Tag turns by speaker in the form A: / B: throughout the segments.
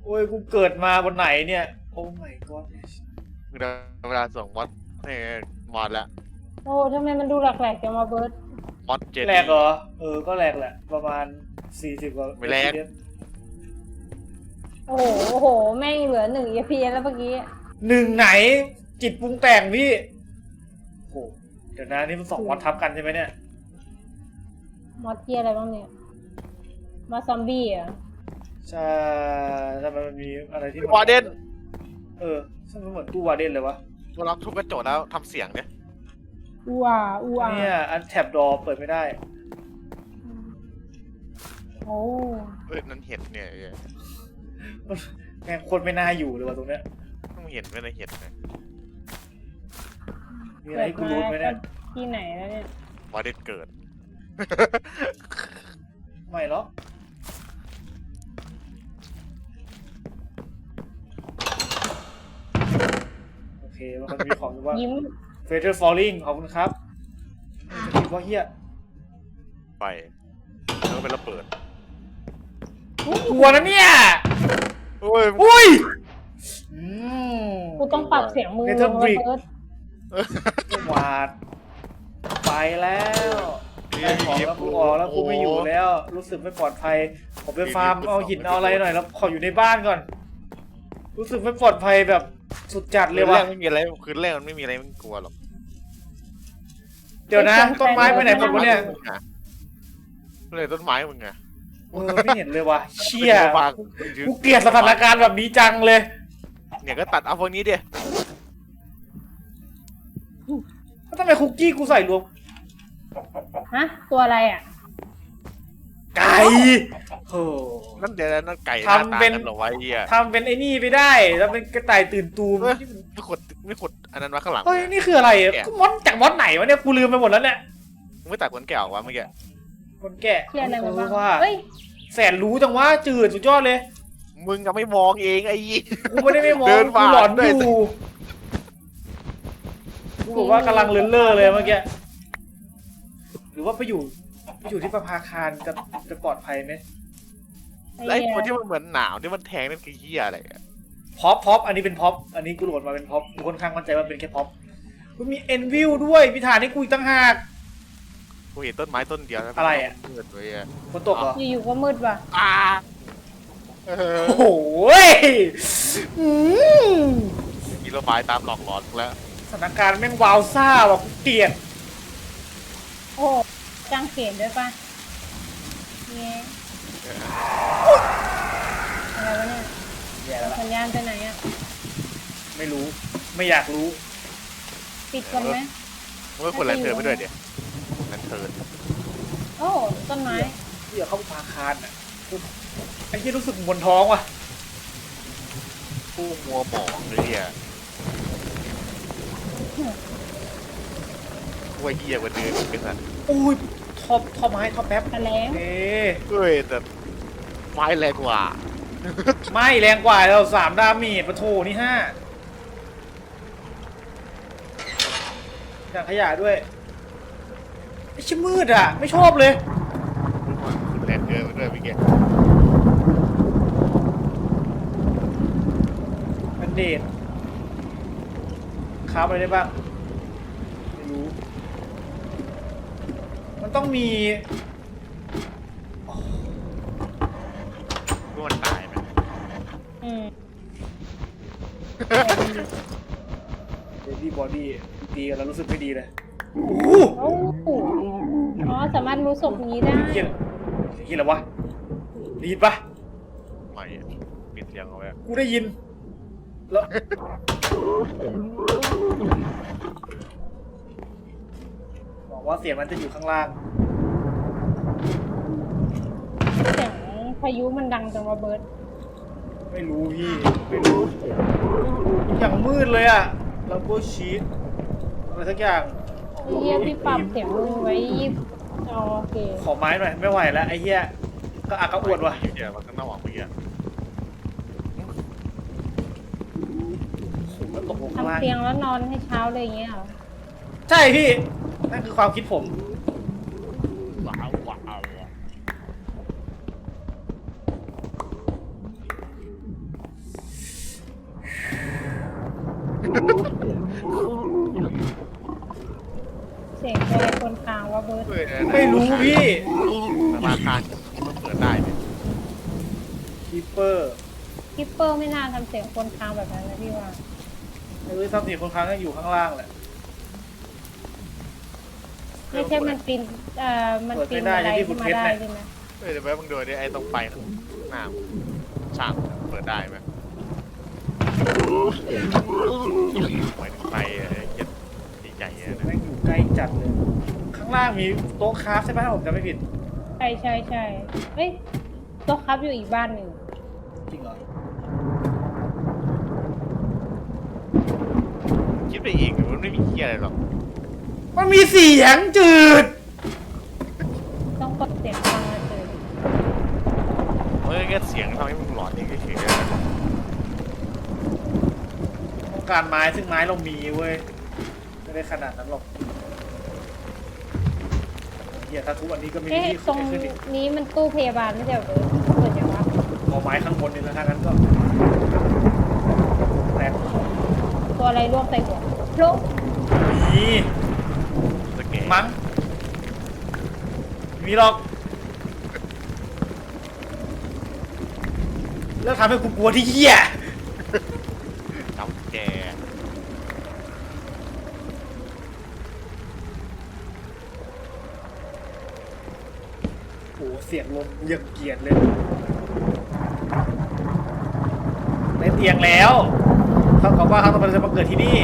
A: โอ้ยกูเกิดมาบนไหนเนี่ยโอ้ my god
B: เวลาส่งมอสนี่มอสแล้ว
C: โอ้ทำไมมันดูแหลกๆจังวะเบิร์ด
B: มอสเจ
A: แรกเหรอก็แรกแหละประมาณ40กว่า
B: ไม่แรก
C: โอ้โหแม่งเหลือ1 FPS แล้วเมื่อกี้
A: หนึ่งไหนจิตปรุงแต่งพี่โอ้เดี๋ยวนะนี่มัน2 มอดทับกันใช่ไหมเนี่ย
C: มอสเกียอะไรบ้างเนี่ยมอสซอมบี้อ่ะ
A: ใช่ทำไมมันมีอะไรที่
B: วาเดน
A: ใช่มันเหมือนตู้วาเดนเลยวะ
B: เวลาทุบกระจกแล้วทำเสียงเนี่ย
C: อูอ่ะอูอ่ะ
A: เนี่ยอันแท็บดอเปิดไม่ได้
C: โอ้
B: นั่นเห็ดเนี่ย
A: แม่งโคตรไม่น่าอยู่เลยวะตรงเนี้ย
B: ต้องเห็นไม่ได้เห็ดนะ
A: มีอะไรให้กูรู้ไหมเนี่ย
C: ที่ไหนแล้วเนี่ยว
B: าเดนเกิด
A: ไม่หรอกโอเคมันมีของอยู่ว่า
C: ยิ้ม
A: Feather Falling ขอบคุณครับคิดว่าเฮีย
B: ไปแล้วเป็นระเบิด
A: กลัวนะเนี่ย
B: โอ้ย
A: อุ้ย
C: กูต้องปรับเสียงมือ
A: เนเธอร์บริก
C: เบิร์ด
A: หวาดไปแล้วได้ของแล้วกูออกแล้วกูไม่อยู่แล้ว รู้สึกไม่ปลอดภัยผมไปฟาร์มเอาหินเอาอะไรหน่อยแล้วขออยู่ในบ้านก่อน รู้สึกไม่ปลอดภัยแบบสุดจัดเลยว่ะ
B: ไม่มีอะไรคืนแรกมันไม่มีอะไรมันกลัวหรอก
A: เดี๋ยวนะต้นไม้ไปไหนหมดวะเนี่ย
B: เลยต้นไม้มึงไง
A: ไม่เห็นเลยว่ะเชี่ย
B: บาง
A: กูเกลียดสถานการณ์แบบนี้จังเลย
B: เนี่ยก็ตัดเอาพวกนี้ดิ
A: แล้วทำไมคุกกี้กูใส่รวม
C: ฮะตัวอะไรอ่ะ
A: ไก่โอ้
B: นั่นเดี๋ยวนั่นไก่
A: ทำเป็น
B: หรอวะเฮีย
A: ทำเป็นไอ้นี่ไปได้แล้วเป็นกระต่ายตื่นตูม
B: ไม่ขุดอันนั้นมาข้างหลัง
A: เฮ้ยนี่คืออะไรอ่ะมอดจากมอดไหนวะเนี่ยกูลืมไปหมดแล้วเนี่ย
B: มึงไม่ตัดคนแก่ออกวะเมื่อกี้
A: คนแก่
C: เที่ยอะไรมาบ้าง
A: ว่า
C: เฮ้ย
A: แสนรู้จังว่าจืดสุดยอดเลย
B: มึงก็ไม่มองเองไอ้ยี่
A: กูไม่ได้ไม่มอง
B: เดิน
A: กู
B: ผ่าน
A: หลอน
B: ด้วย
A: อยู่กูบอกว่ากำลังเลื่อนเล่อเลยเมื่อกี้หรือว่าไปอยู่ที่ประภาคารจะปลอดภัยไหม
B: แล้วไอ้ตัวที่มันเหมือนหนาวที่มันแทงนั่นคือเฮียอะไรอะ
A: พ็อปอันนี้เป็นพ็อปอันนี้กูโหลดมาเป็นพ็อปกูค่อนข้างมั่นใจว่าเป็นแค่พ็อปกูมีเอ็นวิวด้วยมีฐานให้กูอีกตั้งหาก
B: กูเห็นต้นไม้ต้นเดียวแล้ว
A: อะไรอะ
B: เกิดเลยอะ
A: ฝนตกเหรอ
C: อยู่ๆก็มืดว่ะ
B: เออ
A: โอ้โหอืม
B: มีระบายตามหลอกหลอนแล้ว
A: สถานการณ์แม่งวาวซ่าว่ะกูเกลียด
C: โอ้จางเขนด้วยป่ะเนี่ยอะไรวะเนี่ย
A: แย่แล้วล่ะ
C: สัญญาณไปไหนอ่ะ
A: ไม่รู้ไม่อยากรู้
C: ปิดก่อนไหม
B: มึงก็คนแลนเทิร์นไปด้วยเดี๋ยวแลนเทิร์น
C: โอ้ต้นไม้
A: ที่จะเข้าประภาคารอ่ะไอ้ที่รู้สึกบนท้องว่ะ
B: ผู้มัวหมองเลยเฮียว่าเฮียกว่าเดิมเป็นสัตว์
A: อุ้ยท่อไม้ท่อแป๊บ
C: ตะแลง
A: เอ๊ะ
B: เฮ้ยแต่ไม้แรงกว่า
A: ไม่แรงกว่าเรา3 ดาเมจปะโถนี่5ถังขยะด้วยไอ้ชิมืดอ่ะ ไม่ชอบเลย
B: คุณแลนเทิร์นไปด้วยเมื่อกี้
A: มันเดทค้าอะไรได้บ้าง ไม่รู้ มันต้องมี
B: รู้มันตายไหม
C: อืม
A: เบบี้บอดี้ตีกันแล้วรู้สึกไม่ดีเลยโอ้
C: โอ้อ๋อสามารถรู้ศพอย่างนี้ได้
A: เฮียเฮียอะไรวะได้ยินปะ
B: ไม่อะปิดเสียงเอาไว้อะ
A: กูได้ยิน แล้วบอกว่าเสียงมันจะอยู่ข้างล่าง
C: เสียงพายุมันดังจังวะเบิร์ด
A: ไม่รู้พี่ ไม่รู้ อย่างมืดเลยอะแล้วก็ชีตอะไรสักอย่าง
C: ไอ้เฮียที่ปรับเสียงมือไว้20อ๋อโอเค
A: ขอไม้หน่อย ไม่ไหวแล้วไอ้เหี้ยก็อักกระอวดว่ะ
B: เดี๋ยวมันก็น่าหวังเมื่อกี้อะ
A: มันตกลงข้างล่าง
C: ทำเตียงแล้วนอนให้เช้าเลยอย่างเงี้ยเหรอ
A: ใช่พี่ นั่นคือความคิดผม
B: ว้าวว้าว
C: ว่าเบิร์ด
A: ไม่รู้พี่
B: ธนาคารมันเปิดได้เนี่ย
A: คีเปอร์
C: คิปเปอร์ไม่น่าทำเสียงคนค้างแบบนั้นนะพี่ว่า
A: ไม่รู้ทรัพย์สินคนค้างก็อยู่ข้างล่างแหละ
C: ไม่ใช่มันปีนมันปีนอะไรขึ้นมาได้ใช่ไหม
B: เดี๋ยวแป๊บมึงดูดิไอ้ตรงไปหน้าช่างเปิดได้ไหมไปถึงไปเย็ดใหญ่ๆนะ
A: แม่งอยู่ใกล้จัดเลย ข้างล่างมีโต๊ะคราฟใช่ไหมถ้าผมจำไม่ผิด
C: ใช่เฮ้ยโต๊ะครับอยู่อีกบ้านหนึ่ง
A: จริงเหรอ
B: คิดไปเองมันไม่มีเหี้ยอะไรหรอก
A: มันมีเสียงจืด
C: ต้องกดเสียงฟังมาเจอ
B: เมื่อกี้เสียงทำให้มึงหลอนเองเฉย
A: ต้องการไม้ซึ่งไม้เรามีเว้ยไม่ได้ขนาดนั้นหรอกเฮียถ้าทุกวันนี้ก็ไม่มี
C: เอ๊ะ
A: ที่
C: ตรง
A: ขึ้นอีก
C: นี้มันตู้พยาบาลไม่ใช่เหรอเบิร์ดเปิดยังวะ
A: เอาไม้ข้างบนนี่แล้วถ้างั้นก็แตก
C: ตัวอะไรร่วงใส่หัวโลก
A: มี
B: ๆสเกต
A: มั้งมีหรอกแล้วทำให้กูกลัวที่เหี้ย
B: จับแก
A: โอ้เสียงลมยังเกลียดเลยได้เตียงแล้วเท่ากับว่าเขาต้องจะมาเกิดที่นี่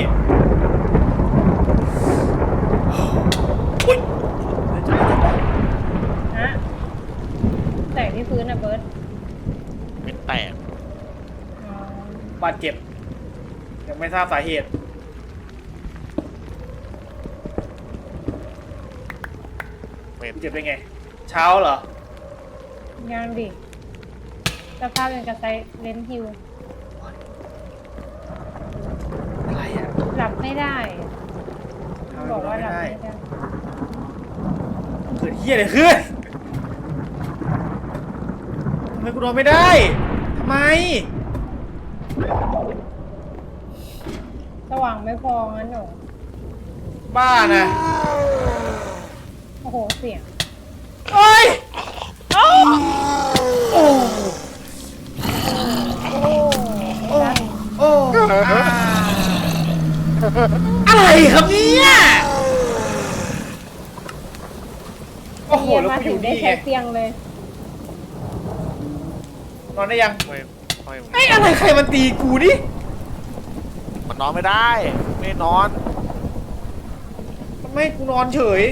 A: อุ๊ย
C: ฮะแตกที่พื้นนะเบิร์ด
B: เป็นแตก
C: อ๋อบ
A: าดเจ็บยังไม่ทราบสาเหตุ
B: เป็น
A: เจ็บได้ไง เช้าเหรอ
C: ยังดิสภาพเป็นกระไซเลนฮิว
A: อะไรอ่ะ
C: หลับไม่ได้บอกว่าหลับไม่ได้
A: เกิดเหี้ยอะไรขึ้นทำไมกูนอนไม่ได้ทำไม
C: สว่างไม่พองั้นหนู
A: บ้านะ
C: โอ้โหเสียง
A: โอ้ยเอ้าโอ้
C: โอ้
A: โอ้โอ้อะไรครับเนี่ยโอ้โห
C: เฮีย
A: แล้ว
C: มา
A: กูอ
C: ถึ
A: ยู่
C: งได้
A: นี่ไง
C: ใช้เตียงเลย
A: นอนได้ยัง
B: ไม่มึง
A: ไอ้อะไรใครมันตีกูนี่
B: มันนอนไม่ได้ ไม่นอน
A: ทำไมกูนอนเฉย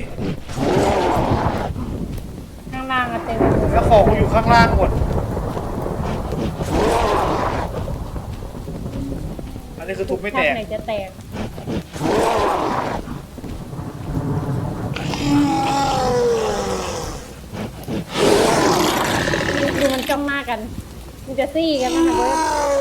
C: ข้างล่างอะเต็ม
A: แล้วของกูอยู่ข้างล่างหมด อันนี้คือทุบไม่แตก
C: ไหนจะแตกดูมันจ้องหน้ากัน มันจะซี่กันนะคะเบิร์ด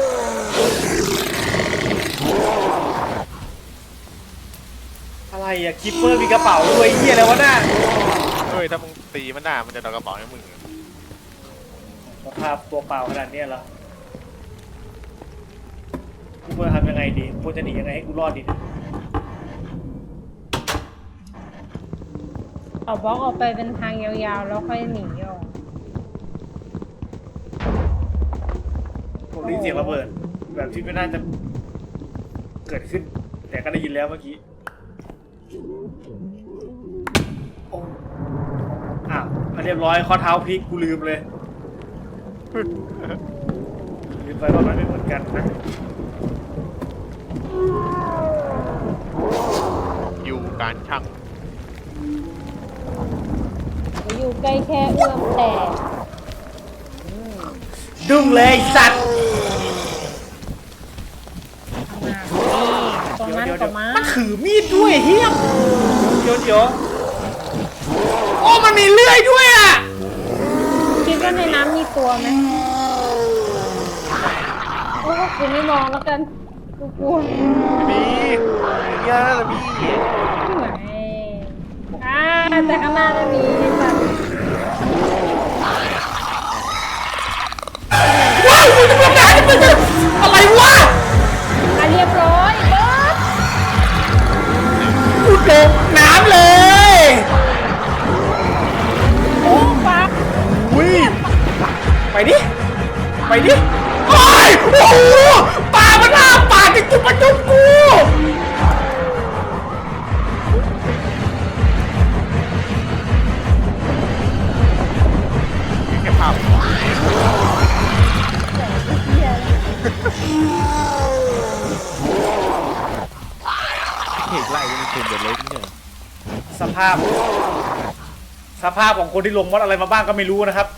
A: อะไรอะคิปเปอร์มีกระเป๋าด้วยเฮียอะไรวะน่ะ
B: เฮ้ยถ้ามึงตีมันได้มันจะโดนกระเป๋าให้มึง
A: สภาพตัวเปล่าขนาดเนี้ยเหรอกูควรทำยังไงดีควรจะหนียังไงให้กูรอดดี
C: เอาบล็อกออกไปเป็นทางยาวๆ แล้วค่อยหนีออก
A: ผมได้ยินเสียงระเบิด แบบที่ไม่น่าจะเกิดขึ้น แต่ก็ได้ยินแล้วเมื่อกี้โอ้อ้าวเรียบร้อยข้อเท้าพลิกกูลืมเลย ลืมไปว่ามันไม่เหมือนกันนะ
B: อยู่การช่าง
C: อยู่ใกล้แค่เอื้อมแต่
A: ดุ้งเลยไอ้สัตว์
C: ตรงนั้นก็มา
A: มันถือมีดด้วยเฮียเดี๋ยวโอ้มันมีเลื่อยด้วยอ่ะ
C: คิดว่าในน้ำมีตัวไหมโอ้กูไม่มองแล้วกันกูกลัว
B: มีเยอะเลยมี
C: แต่ข้างหน้าจะมีแบบ
A: ว้าวมึงจะมาด่ามึงอะไรวะ
C: เรียบร้อยเบิร์ด
A: กูตกน้ำเลยโอ้ยโอ้โหปลามันล่าปลาจะจุบมาจุบกู
B: แค่ภาพ
C: เหี้ย
D: เห็นไล่ยังเป็นเดือดเล็กเนี่ย
A: สภาพของคนที่ลงมอดอะไรมาบ้างก็ไม่รู้นะครับ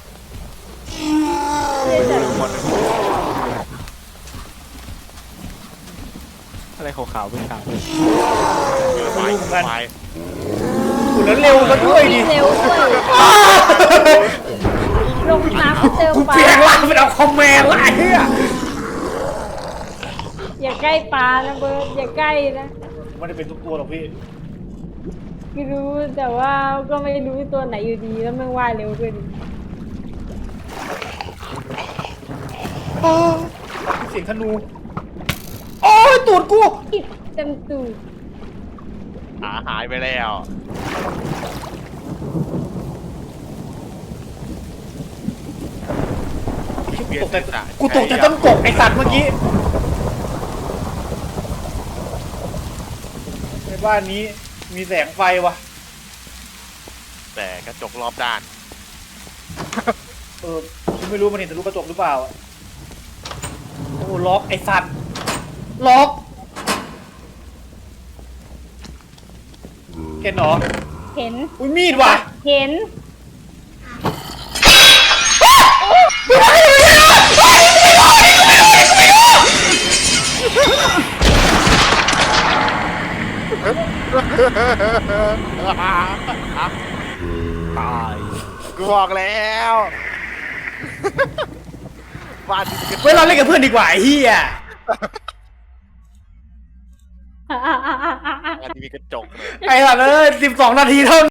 D: อะไรขาวๆเป็นขาว
B: ไฟไฟ
A: คุณแล้วเร็วซะด้วยดิ
C: เร็วด้วยลงน้ำเจอปลา
A: เสียงล่างเป็นเอาคอมแมนไล่เฮีย
C: อย่าใกล้ปลานะเบิร์ดอย่าใกล้นะ
A: ไม่ได้เป็นทุกตัวหรอกพี่
C: ไม่รู้แต่ว่าก็ไม่รู้ตัวไหนอยู่ดีแล้วมันว่ายเร็วด้วยดิ
A: เสียงธนู โอ้ยตูดกู
C: อิดเต็มตูด
B: หายไปแล้ว
A: กูตกใจต้นกบไอสัตว์เมื่อกี้ ในบ้านนี้มีแสงไฟวะ
B: แต่กระจกรอบด้าน
A: กูไม่รู้มันเห็นทะลุกระจกหรือเปล่าอะโอ้ล็อกไอสัตว์ล็อกเห็นเหรอ
C: เห็น
A: อุ้ยมีดว่ะ
C: เห็น
D: ตาย
B: กูบอกแล้วบ้านที่มีกระจ
A: เว้ยเราเล่นกับเพื่อนดีกว่าไอ้เหี้ย
B: บ้านที่มีกระจกเลย
A: ไอ้สัตว์เอ้ย12 นาทีเท่า